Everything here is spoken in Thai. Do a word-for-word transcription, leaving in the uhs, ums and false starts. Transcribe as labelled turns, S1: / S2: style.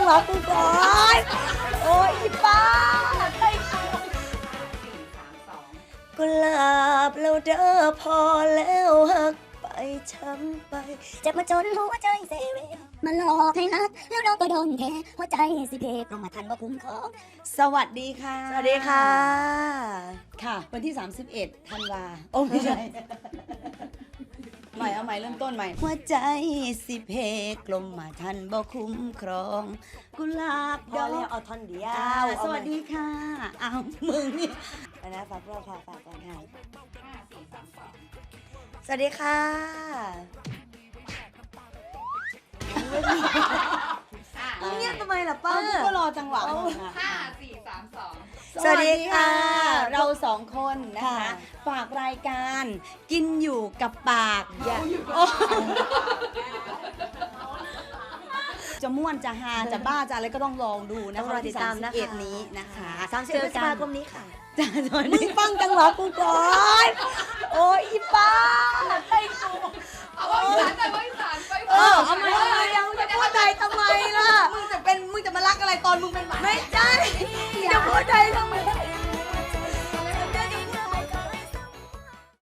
S1: หวะกูก่อนโอ้ยอีป้ากุหลาบแล้วเด้อพอแล้วหักไปช้ำไปเจ็บมาจนหัวใจเซเวมาหลอกให้นักแล้วเราก็โดนแค่หัวใจสิเพกลงมาทันบ่คุ้มครองสวัสดีค่ะสวัสดีค่ะค่ะวันที่สามสิบเอ็ดธันวาโอ้ไม่ใช่ใหม่เอาใหม่เริ่มต้นใหม่หัวใจสิเพกลมมาทันบ่คุ้มครองกุหลาบดอกเอาท่อนเดียวสวัสดีค่ะอ้าวมึงนี่ไปนะฝากรอบฝากฝากก่อนค่ะสวัสดีค่ะเงียบทำไมล่ะป้าก็รอจังหวะ
S2: ห้าสี่สามสอง
S1: สวัสดีค่ะเราสองคนนะคะฝากรายการกินอยู่กับปากอย่าจะม่วนจะฮาจะบ้าจะอะไรก็ต้องลองดูนะคะรอติดตามนะคะนี้นะคะสามสิบพฤษภาคมนี้ค่ะจ้าจอยมึงฟังจังหวะกูก่อนโอ้ยอีป้าไอ้กูโอ้ย